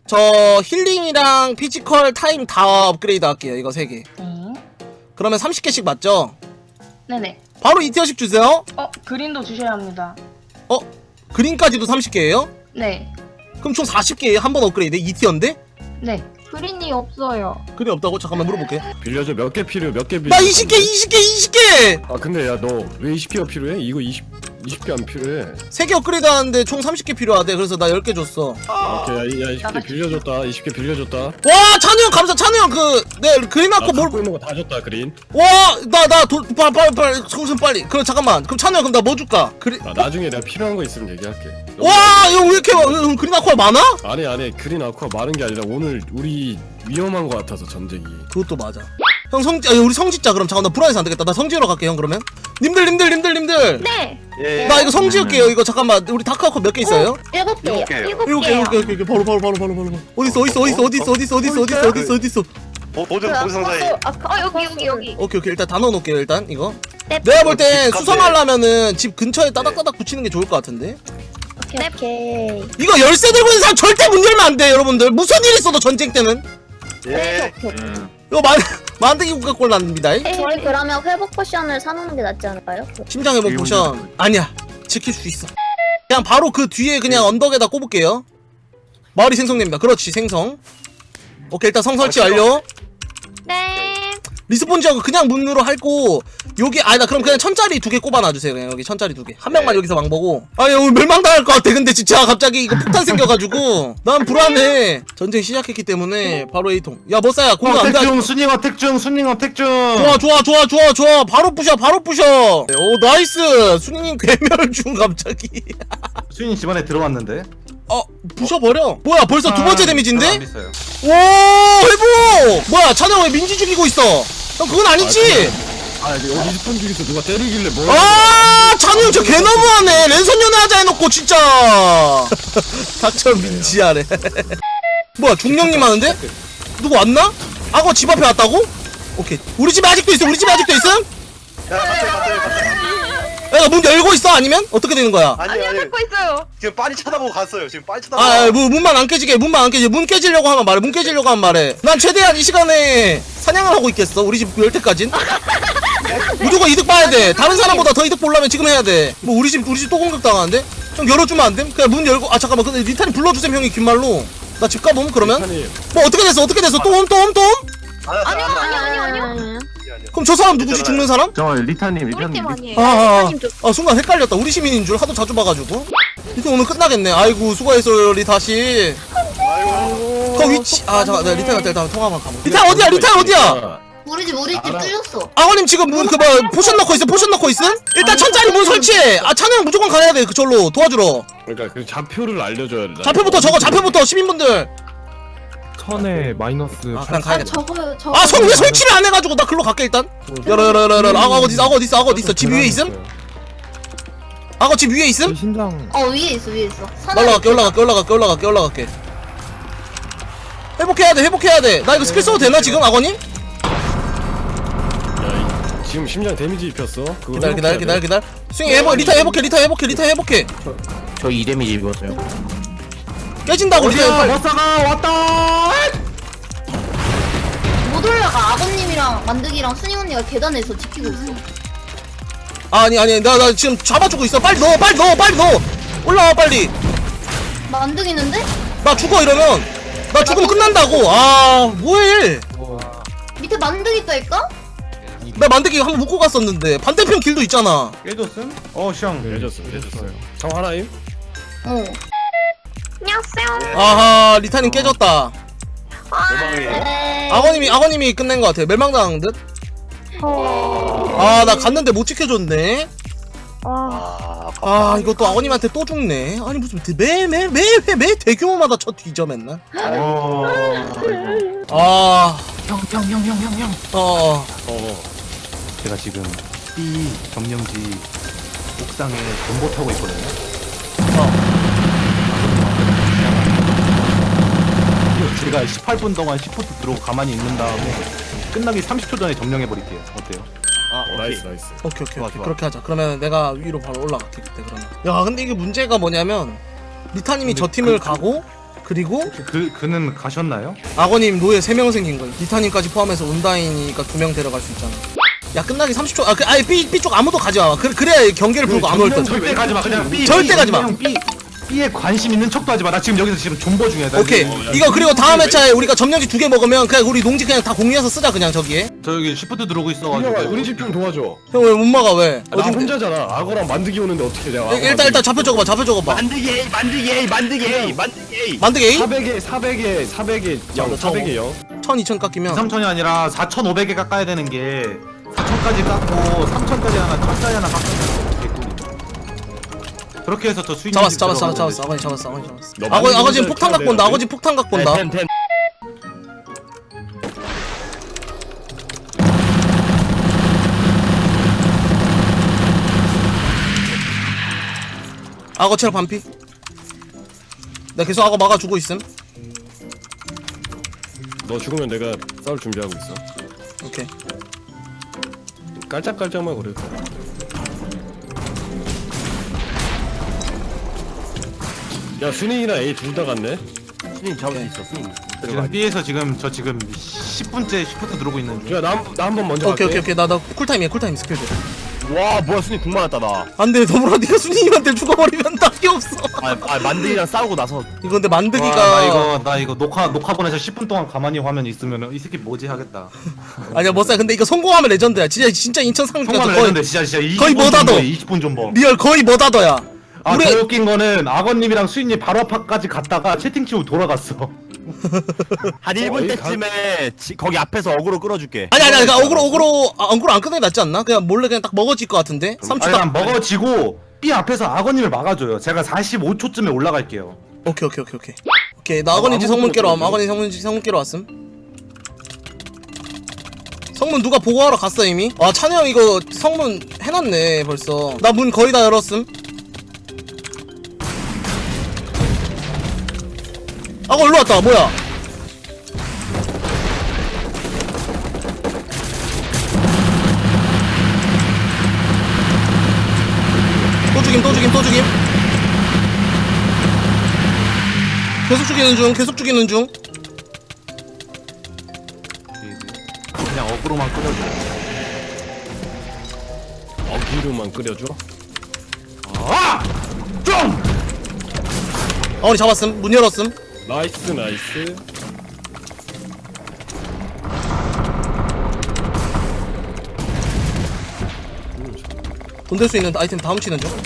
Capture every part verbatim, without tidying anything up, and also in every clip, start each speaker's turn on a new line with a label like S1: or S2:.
S1: 저 힐링이랑 피지컬 타임 다 업그레이드 할게요. 이거 세 개.
S2: 네.
S1: 그러면 삼십 개씩 맞죠?
S2: 네네.
S1: 바로 이 티어씩 주세요.
S2: 어, 그린도 주셔야 합니다.
S1: 어? 그린까지도 삼십 개예요?
S2: 네.
S1: 그럼 총 사십 개예요? 한 번 업그레이드 이 티어인데?
S2: 네.
S3: 그린이 없어요.
S1: 그린 없다고? 잠깐만 물어볼게.
S4: 빌려줘. 몇 개 필요해? 몇 개 빌려?
S1: 나 이십 개 이십 개 이십 개!
S4: 아 근데 야 너 왜 이십 개가 필요해? 이거 이십 이십 개 안 필요해.
S1: 세 개 업그레이드 하는데 총 삼십 개 필요하대. 그래서 나 열 개 줬어.
S4: 오케이 야, 야 이십 개 빌려줬다. 이십 개 빌려줬다.
S1: 와 찬우 형 감사. 찬우 형 그 네 그린
S4: 나
S1: 아코 뭘
S4: 갖고 있는 거 다 줬다 그린.
S1: 와나나돈 빨리 빨리 정신 빨리. 그럼 잠깐만. 그럼 찬우 형 그럼 나 뭐 줄까? 그린
S4: 아, 나중에 내가 필요한 거 있으면 얘기할게.
S1: 와 형 왜 이렇게 형 그린 아코가 많아?
S4: 아니 아니 그린 아쿠아 많은 게 아니라 오늘 우리 위험한 거 같아서 전쟁이.
S1: 그것도 맞아. 형 성지, 아, 우리 성지자 그럼 잠깐 나 불안해서 안 되겠다. 나 성지로 갈게 형 그러면. 님들 님들 님들 님들.
S3: 네.
S5: 예.
S1: 나 이거 성지할게요. 이거 잠깐만 우리 다크아코 몇 개 있어요?
S3: 일곱 개요.
S5: 일곱 개요.
S3: 일곱
S1: 일곱 개
S3: 개요.
S1: 일곱 개 일곱 개 바로 바로 바로 바로 바로 바로. 어디 있어 어디 있어 어디 있어 어디 있어 어디 있어 어디 있어 어디 있어 어디 있어 어디 있어.
S5: 도, 도전 도전 상자에
S3: 아, 어 여기 여기 여기.
S1: 오케이 오케이 일단 다 넣어놓을게요 일단 이거.
S3: 네.
S1: 내가 볼 땐
S5: 집 카페.
S1: 수성하려면은 집 근처에 따닥따닥 붙이는 게 좋을 것 같은데.
S3: 오케이 오케이.
S1: 이거 열쇠 들고 있는 사람 절대 문 열면 안 돼 여러분들. 무슨 일 있어도 전쟁 때는.
S5: 예.
S3: 음.
S1: 이거 만 만들기 국가꼴 납니다.
S6: 저희 그러면 회복 포션을 사놓는 게 낫지 않을까요?
S1: 심장 회복 포션 아니야 지킬 수 있어. 그냥 바로 그 뒤에 그냥 언덕에다 꼽을게요. 마을이 생성됩니다. 그렇지 생성. 오케이 일단 성설치 완료.
S3: 네.
S1: 리스폰 지역은 그냥 문으로 할고 여기 아니다 그럼 그냥 천짜리 두 개 꼽아놔주세요. 그냥 여기 천짜리 두 개. 한 명만
S5: 네.
S1: 여기서 망보고. 아니 오늘 멸망당할 것 같아. 근데 진짜 갑자기 이거 폭탄 생겨가지고 난 불안해. 전쟁 시작했기 때문에 바로 A통. 야 머싸야 공격 안 돼.
S7: 택중 순잉어 택중 순잉어 택중.
S1: 좋아 좋아 좋아 좋아 좋아 바로 부셔 바로 부셔. 오 나이스. 순이님 괴멸 중 갑자기.
S7: 순잉 집안에 들어왔는데.
S1: 어 부셔버려. 뭐야 벌써 두 번째 데미지인데?
S7: 안 있어요.
S1: 오 회복. 뭐야 찬영 왜 민지 죽이고 있어? 형 그건 아니지?
S4: 아 여기 리스폰 중에서 누가 때리길래 뭐?
S1: 아 찬영 저 개 너무하네. 랜선 연애하자 해놓고 진짜. 닥쳐 민지하래. 뭐야 중령님 하는데? 누구 왔나? 악어 집 앞에 왔다고? 오케이 우리 집에 아직도 있어. 우리 집에 아직도 있음?
S5: 야 갔어요 갔어요 갔어요.
S1: 야 문 열고 있어 아니면? 어떻게 되는 거야?
S5: 아니 아니
S3: 듣고 있어요.
S5: 지금 빨리 쳐다보고 갔어요. 지금 빨리 쳐다보고.
S1: 아, 뭐 문만 안 깨지게, 문만 안 깨지게, 문 깨지려고 하면 말해, 문 깨지려고 하면 말해. 난 최대한 이 시간에 사냥을 하고 있겠어. 우리 집 열 때까진. 무조건 이득 봐야 돼. 다른 사람보다 더 이득 보려면 지금 해야 돼. 뭐 우리 집 우리 집 또 공격 당하는데? 형 열어주면 안 돼? 그냥 문 열고. 아 잠깐만, 근데 리탄이 불러주셈 형이 긴 말로. 나 집 가봄 그러면?
S4: 리탄이-
S1: 뭐 어떻게 됐어? 어떻게 됐어? 또 옴, 또 옴, 또 옴?
S5: 아니요
S3: 아니요 아니요 아니요.
S1: 그럼 저 사람 누구지? 죽는 사람?
S7: 저 리타님
S3: 우리
S7: 리타님.
S3: 팀 아니에요.
S1: 아, 아,
S3: 리타님 좀-
S1: 아, 아 순간 헷갈렸다. 우리 시민인 줄 하도 자주 봐가지고. 이제 오늘 끝나겠네. 아이고 수고했어요 리 다시.
S5: 아이고.
S1: 그 위치. 아 잠깐, 내가 리탄한테 일단 통화만 가보. 리탄 어디야? 리탄 어디야?
S6: 우리 집 우리 집
S4: 알아.
S6: 뚫렸어.
S1: 아버님 지금 문 그뭐 포션 넣고 있어. 포션 넣고 있음? 일단 천짜리 문 설치해. 아 찬우 형 무조건 가야 돼. 그절로 도와주러.
S4: 그러니까 그 좌표를 알려줘야 돼.
S1: 좌표부터 적어. 좌표부터 시민분들.
S8: 천에 마이너스
S1: 아 그냥
S6: 아
S1: 가야겠다.
S6: 저거 저거.
S1: 아 성 왜 설치를 안 해가지고 나 글로 갈게 일단. 열어 열어 열어 열어. 악어 어디 있어? 악어 어디 있어? 악어 어디 있어? 집 위에 있음? 악어 집 위에 있음?
S8: 신장
S6: 어 위에 있어 위에 있어.
S1: 나 올라갈게 올라갈게 올라갈게 올라갈게 올라갈게. 회복해야 돼 회복해야 돼. 나 이거 스킬 써도 되나 지금 악어님?
S4: 야, 이- 지금 심장 데미지 입혔어. 그거
S1: 기다려 기다려
S4: 회복해야
S1: 기다려
S4: 돼.
S1: 기다려. 스윙 회복 리타 회복해 리타 회복해 리타 회복해.
S8: 저 이 데미지 입었어요.
S1: 깨진다고 리타.
S7: 머싸가 왔다.
S6: 못 올라가. 아버님이랑 만드기랑 순잉 언니가 계단에서 지키고 있어.
S1: 아니 아니 나 나 지금 잡아주고 있어. 빨리 넣어 빨리 넣어 빨리 넣어. 올라와 빨리.
S6: 만드기는데?
S1: 나 죽어 이러면. 나 죽으면 끝난다고. 아 뭐해.
S6: 밑에 만드기 떠있까?
S1: 나 만들기 한번 묶고 갔었는데 반대편 길도 있잖아.
S7: 깨졌음? 어 시앙.
S4: 깨졌어 깨졌어요. 정 하나임?
S6: 어.
S3: 안녕하세요.
S1: 아하 리타님 깨졌다.
S5: 대박이에요.
S6: 네.
S1: 악어님이 악어님이 끝낸 것 같아. 멸망당한 듯. 아 나 갔는데 못 지켜줬네.
S5: 아,
S1: 아 이것도 악어님한테 또 죽네. 아니 무슨 매매매매 대규모마다 쳐 뒤져 맨날.
S7: 어.
S1: 아
S8: 형 형 형 형 형 형.
S1: 어.
S4: 어.
S7: 제가 지금 B 점령지 옥상에 전보 타고 있거든요. 제가 십팔 분 동안 시프트 들어오고 가만히 있는 다음에 끝나기 삼십 초 전에 점령해 버릴게요. 어때요?
S4: 아 나이스 나이스.
S1: 오케이 오케이,
S7: 좋아,
S1: 오케이.
S7: 좋아.
S1: 그렇게 하자. 그러면 내가 위로 바로 올라갈게 그때 그러면. 야 근데 이게 문제가 뭐냐면 리타님이 저 팀을 가고 그리고
S7: 그 그는 가셨나요?
S1: 악어님 노예 세 명 생긴 거야. 리타님까지 포함해서 온다이니까 두 명 데려갈 수 있잖아. 야 끝나기 삼십 초. 아 그 아예 B B 쪽 아무도 가지 마. 그래 그래야 경계를 풀고 안 올 듯.
S7: 절대 가지 마. 그냥 B
S1: 절대 가지 마.
S7: B B에 관심 있는 척도 하지 마. 나 지금 여기서 지금 존버 중이야. 나
S1: 오케이.
S7: 지금
S1: 이거 그리고 다음 회차에 우리가 점령지 두 개 먹으면 그냥 우리 농지 그냥 다 공유해서 쓰자 그냥 저기에.
S7: 저 여기 시프트 들어오고
S4: 준영아
S7: 있어가지고.
S4: 우리 집 좀 도와줘.
S1: 형 왜 못 막아 왜?
S4: 아, 나
S1: 어딘데?
S4: 혼자잖아. 악어랑 만드기 오는데 어떻게 내가?
S1: 일- 일단 일단 좌표 적어봐. 좌표 적어봐.
S5: 만들기 에이 만들기 에이 만들기 에이 만들기 에이.
S1: 만드기 A?
S4: 사백에 사백에 사백에 영 사백에 영.
S1: 천, 이천 깎이면
S7: 삼천이 아니라 사천오백에 깎아야 되는 게 사천까지 깎고 삼천까지 하나 천짜리 하나 깎으면 개꿀이. 그렇게 해서 저 수익
S1: 잡았어 잡았어 잡았어 잡았어 아버지 잡았어 아버지 잡았어.
S4: 너
S1: 아버
S4: 만드기
S1: 아버지 지금
S4: 혼자
S1: 폭탄
S4: 해야
S1: 갖고 온다.
S4: 되는데?
S1: 아버지 폭탄 갖고 온다.
S5: 텐 텐.
S1: 악어 체력 반피. 내가 계속 악어 막아주고 있음.
S4: 너 죽으면 내가 싸울 준비하고 있어.
S1: 오케이.
S4: 깔짝깔짝만 그래. 야 순이랑 A 둘 다 갔네.
S5: 순이 잡을 수 있어 순이.
S7: 지금 B에서 지금 저 지금 십 분째 시프트 들어오고 있는 중.
S4: 야나나 한 번 먼저
S1: 오케이 오케이
S4: 갈게.
S1: 오케이 나 나 쿨타임이야 쿨타임 스킬들.
S5: 와 뭐야 순이 궁 많았다 나.
S1: 안돼 더불어 네가 순이님한테 죽어버리면 답이 없어.
S5: 아, 아 만들기랑 싸우고 나서
S1: 이거 근데
S7: 와,
S1: 만드기가
S7: 나 이거 나 이거 녹화 녹화 보내서 십 분 동안 가만히 화면 있으면 이 새끼 뭐지 하겠다.
S1: 아니야 멋사 근데 이거 성공하면 레전드야. 진짜 진짜 인천 상주가
S7: 통화를
S1: 거의
S7: 했는데 진짜 진짜 이십
S1: 거의
S7: 분
S1: 뭐다,
S7: 존버,
S1: 너.
S7: 이십 분 존버.
S1: 리얼 거의 뭐다더야.
S7: 아,
S1: 우리
S7: 더 웃긴 거는 악어님이랑 수인님 바로 앞까지 갔다가 채팅 치고 돌아갔어.
S5: 한 일 분
S4: 어, 이
S5: 때쯤에 지, 거기 앞에서 어그로 끌어줄게.
S1: 아니 아니 아니 그러니까 어그로 어그로 아, 어그로 안 끊는 게 낫지 않나? 그냥 몰래 그냥 딱 먹어질 것 같은데. 삼 초
S7: 아니
S1: 딱.
S7: 난 먹어지고 B 앞에서 악어님을 막아줘요. 제가 사십오 초쯤에 올라갈게요.
S1: 오케이 오케이 오케이 오케이. 오케이 나 악어님지
S4: 아무것도
S1: 성문 깨러
S4: 못
S1: 왔음. 악어님 성문지 성문 깨러 왔음. 성문 누가 보고하러 갔어 이미? 아 찬우 형 이거 성문 해놨네 벌써. 나 문 거의 다 열었음. 악어 일로 왔다 뭐야? 또 죽임 또 죽임 또 죽임. 계속 죽이는 중 계속 죽이는 중.
S7: 그냥 어그로만 끌어줘.
S4: 어기로만 끓여줘.
S7: 아! 좀!
S1: 어머니 잡았음. 문 열었음.
S4: 나이스 나이스.
S1: 돈 될 수 있는 아이템 다 훔치는 중.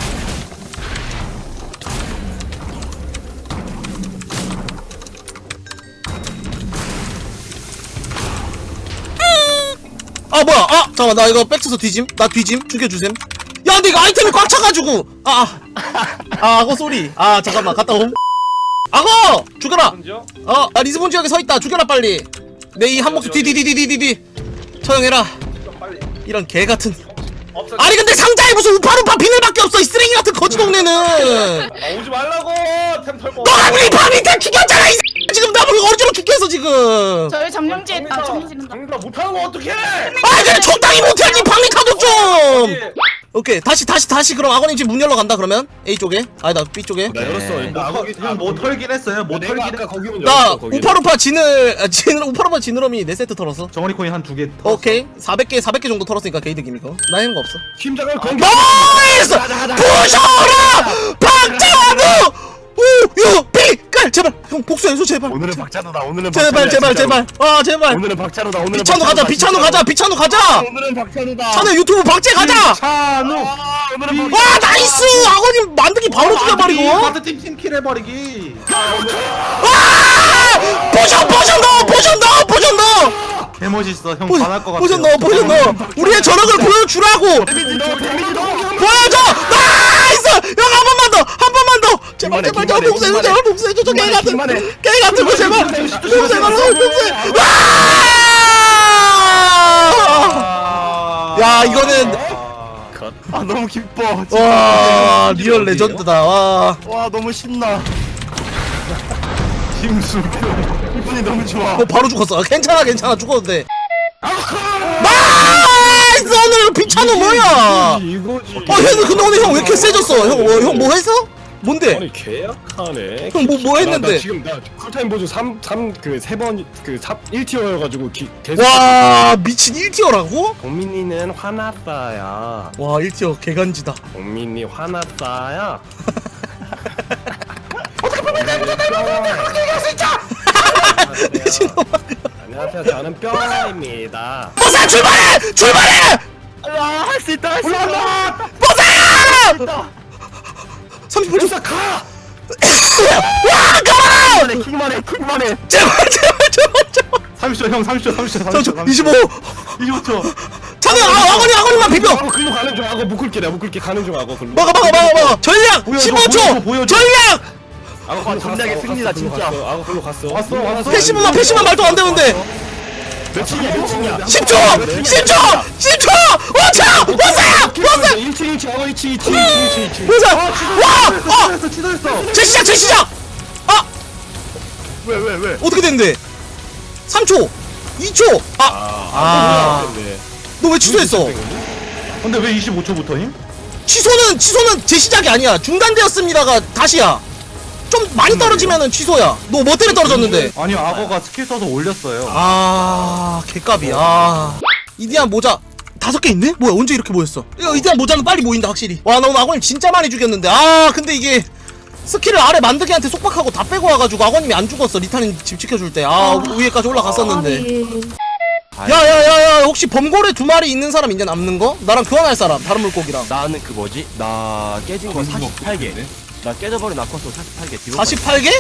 S1: 아 뭐야? 아 잠깐만 나 이거 백쳐서 뒤짐. 나 뒤짐. 죽여주셈. 야 근데 이거 아이템이 꽉 차가지고. 아아 아, 악어 소리. 아 잠깐만 갔다 옴. 악어 죽여라. 어, 나 리스본 지역에 서 있다. 죽여라 빨리. 내 이 한몫 디디디디디디 처형해라. 이런 개 같은. 아니 근데 상자에 무슨 우파루파 비늘밖에 없어 이 쓰레기 같은 거지 동네는.
S9: 오지 말라고 템 털고.
S1: 너가 우리 파 밑에 죽였잖아 이 X. 지금 나 뭐 어지러 죽겠어 지금.
S2: 저희 점령지에 아 점령지는
S9: 장사 못하는 거 어떡해?
S1: 아 그냥 적당히 못해야지 방리 가족 좀. 오케이 다시 다시 다시 그럼 악어님 집 문 열러 간다 그러면 A 쪽에 아니다 B 쪽에.
S4: 나 열었어. 뭐 악어
S7: 형뭐 털긴 했어요. 뭐
S4: 내가
S7: 털긴
S4: 아까
S7: 했.
S4: 거기는
S1: 나
S4: 열었어. 거기는.
S1: 우파루파 지늘 아, 지늘 우파루파 지느러미 네 세트 털었어.
S7: 정원이 코인 한 두 개.
S1: 오케이 사백 개 사백 개 정도 털었으니까 게이득임 이거. 나 하는 거 없어.
S4: 심장을 공격.
S1: 나이스! 부셔라! 박찬우! 우! 유! 빛깔! 제발! 형 복수해줘 제발!
S5: 오늘은 박찬호다. 오늘은
S1: 제발
S5: 박찬호야,
S1: 제발
S5: 진짜로.
S1: 제발! 아 제발!
S5: 오늘은 박찬호다. 오늘은
S1: 비찬우 가자!
S5: 박찬호다,
S1: 비찬우
S5: 진짜로.
S1: 가자! 비찬우 가자!
S5: 오늘은 박찬호다.
S1: 찬우 유튜브 박제 가자!
S7: 찬우.
S5: 아, 오늘은
S1: 와 나이스! 아버님 만들기 바로 죽여버리고!
S7: 가드 팀 팀킬 해버리기.
S1: 와! 포션 포션 넣어! 포션 넣어! 포션 넣어!
S7: 개 멋있어. 형
S1: 포-
S7: 반할 것 같아.
S1: 포션 넣어! 포션 넣어! 우리의 저력을 보여주라고!
S5: 데미지 넣어. 데미지 넣어.
S1: 보여줘! 나이스! 형 한 번만 더! 한 번만 더! 제발
S5: 그만해,
S1: 제발
S5: 그만해,
S1: 제발 복수해줘!
S5: 그만해.
S1: 제발 복수해줘! 저 개 같은!
S5: 그만해.
S1: 개 같은 거 제발! 복수해줘! 복수해! 와! 야 이거는
S5: 아 너무 기뻐. 진짜.
S1: 와 리얼 레전드다 와.
S5: 와 너무 신나.
S7: 김수.
S5: 기분이 너무 좋아.
S1: 어 바로 죽었어. 괜찮아 괜찮아 죽어도 돼. 나이스 오늘 비찬우 뭐야?
S4: 이거지.
S1: 어 형 근데 오늘 형 왜 이렇게 세졌어? 형 형 뭐 해서? 뭔데?
S4: 아니 계약하네.
S1: 형, 뭐- 뭐
S4: 나-
S1: 했는데?
S4: 나 지금 나 쿨타임 보조 삼, 삼, 그 세 번, 그 일 티어여가지고 기, 계속.
S1: 와 미친 일 티어라고?
S4: 동민이는 화났어요.
S1: 와 일 티어 개간지다.
S4: 동민이 화났어요. 안녕하세요. 저는 뿅입니다.
S1: 버사 출발해! 출발해!
S5: 할 수 있다 할 수 있다.
S1: 삼십 분
S4: 벌써 가!
S1: 와 가라!
S5: 킥만 해 킥만 해.
S1: 제발 제발 제발 제발.
S7: 삼십 초 형 삼십 초 삼십 초
S1: 저, 저, 이십오.
S7: 이십오 초.
S1: 찬우 아 아버님 아버님만 비벼.
S4: 하고 글로 가는 중 하고 묶을게 내가 묶을게 가는 중 하고 글로.
S1: 막아 막아 막아 막아. 전략
S7: 보여줘,
S1: 십오
S7: 보여줘,
S1: 초.
S7: 보여줘.
S1: 전략.
S4: 아고 글로
S5: 전략의
S4: 갔어,
S5: 승리다,
S4: 갔어, 글로
S5: 진짜.
S4: 갔어. 아고 글로 갔어.
S7: 왔어, 왔어.
S1: 패시브만 패시브만 말도 안 되는데.
S4: 몇층이야 몇층이야.
S1: 십 초! 십 초! 십 초! 오 초! 보사야! 보사!
S4: 일 층 일 층 하고 이 층 이 층 이 층 이 층.
S1: 보사! 와! 어!
S7: 취소했어 취소했어.
S1: 재시작 재시작! 아!
S5: 왜 왜 왜?
S1: 어떻게 됐는데? 삼 초! 이 초! 아! 아. 너 왜 취소했어?
S7: 근데 왜 이십오 초부터임?
S1: 취소는 취소는 재시작이 아니야. 중단되었습니다가 다시야. 좀 많이 떨어지면은 취소야. 너 뭐 때문에 떨어졌는데?
S7: 아니요 악어가 스킬 써서 올렸어요.
S1: 아, 개값이. 아. 이디안 모자 다섯 개 있네? 뭐야, 언제 이렇게 모였어? 이거 이디안 모자는 빨리 모인다, 확실히. 와, 나 오늘 아버님 진짜 많이 죽였는데. 아, 근데 이게 스킬을 아래 만드기한테 속박하고 다 빼고 와가지고 아버님이 안 죽었어. 리타님 집 지켜줄 때. 아, 위에까지 올라갔었는데. 야, 야, 야, 야, 혹시 범고래 두 마리 있는 사람 있냐, 남는 거? 나랑 교환할 사람, 다른 물고기랑.
S10: 나는 그 뭐지? 나 깨진 거 사십팔 개. 나 깨져버린 아쿠아스 사십팔 개.
S1: 사십팔 개?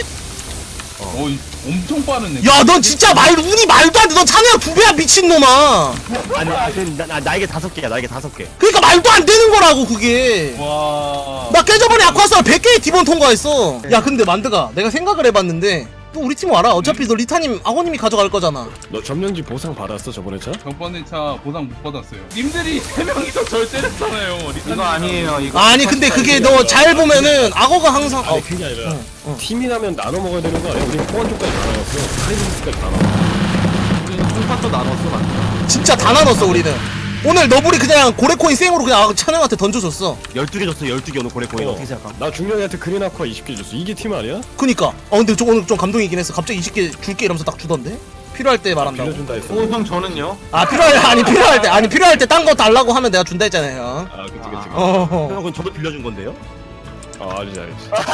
S9: 어, 엄청 빠르네.
S1: 야, 넌 진짜 말, 운이 말도 안 돼. 넌 찬우야 두 배야, 미친놈아.
S10: 아니, 아, 그, 나, 나, 날개 다섯 개야, 날개 다섯 개.
S1: 그니까 말도 안 되는 거라고, 그게.
S9: 와.
S1: 나 깨져버린 아쿠아스를 백 개의 디본 통과했어. 야, 근데 만드가 내가 생각을 해봤는데 또 우리 팀 와라. 어차피 너 리타님 아버님이 가져갈 거잖아.
S4: 너 점령지 보상 받았어 저번에 차?
S9: 저번에 차 보상 못 받았어요. 님들이 세 명이서 절 때렸잖아요.
S7: 이거 아니에요 이거.
S1: 아니 근데 그게 너 잘 보면은 악어가 항상 어,
S4: 아니 그게 아니라
S1: 응, 응.
S4: 팀이 나면 나눠 먹어야 되는 거 아니야? 우리 포원 쪽까지 다 나눴어. 카리스까지 다 나눴어.
S7: 우리 총파도 나눴어 나.
S1: 진짜 다 나눴어 우리는. 오늘 너블이 그냥 고래코인 생으로 그냥 찬영한테 던져줬어.
S10: 열두 개 줬어, 열두 개 오늘 고래 코인.
S4: 어.
S10: 어떻게 생각함?
S4: 나 중령이한테 그린 아쿠아 이십 개 줬어. 이게 팀 아니야?
S1: 그니까 어 근데 저 오늘 좀 감동이긴 했어. 갑자기 이십 개 줄게 이러면서 딱 주던데. 필요할 때 말한다고.
S4: 빌려준다 했어.
S7: 오 형 저는요?
S1: 아 필요할 아니 필요할 때 아니 필요할 때 딴 거 달라고 하면 내가 준다 했잖아요.
S4: 아 그치 그치.
S1: 어.
S10: 형, 그건 저도 빌려준 건데요?
S4: 아 알지 알지.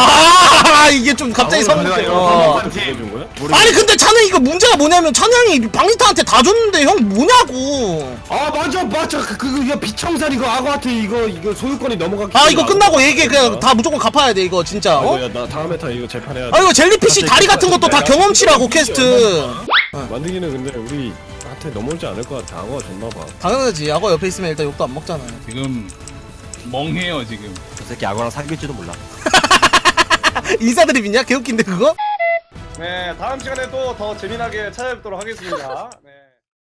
S1: 아 이게 좀 갑자기
S7: 아,
S1: 성.
S7: 오늘 내가
S1: 어.
S7: 이거
S4: 빌려준 거야?
S1: 아니 근데 찬우 이거 문제가 뭐냐면 찬양이 방리타한테 다 줬는데 형 뭐냐고.
S4: 아 맞아 맞아 그, 그 이거 비청산 이거 악어한테 이거 이거 소유권이 넘어갔기
S1: 아 이거 끝나고 얘기해. 그냥 다 무조건 갚아야 돼 이거 진짜. 어?
S4: 아, 나 다음에 타 이거 재판해야 돼.
S1: 아 이거 젤리피쉬 다리 같은 것도 다 경험치라고 퀘스트.
S4: 만들기는 근데 우리한테 넘어오지 않을 것 같아. 악어가 줬나봐.
S1: 당연하지. 악어 옆에 있으면 일단 욕도 안 먹잖아.
S9: 지금 멍해요 지금.
S10: 저 새끼 악어랑 사귈지도 몰라.
S1: 인사드립 있냐? 개웃긴데 그거?
S9: 네, 다음 시간에 또 더 재미나게 찾아뵙도록 하겠습니다. 네.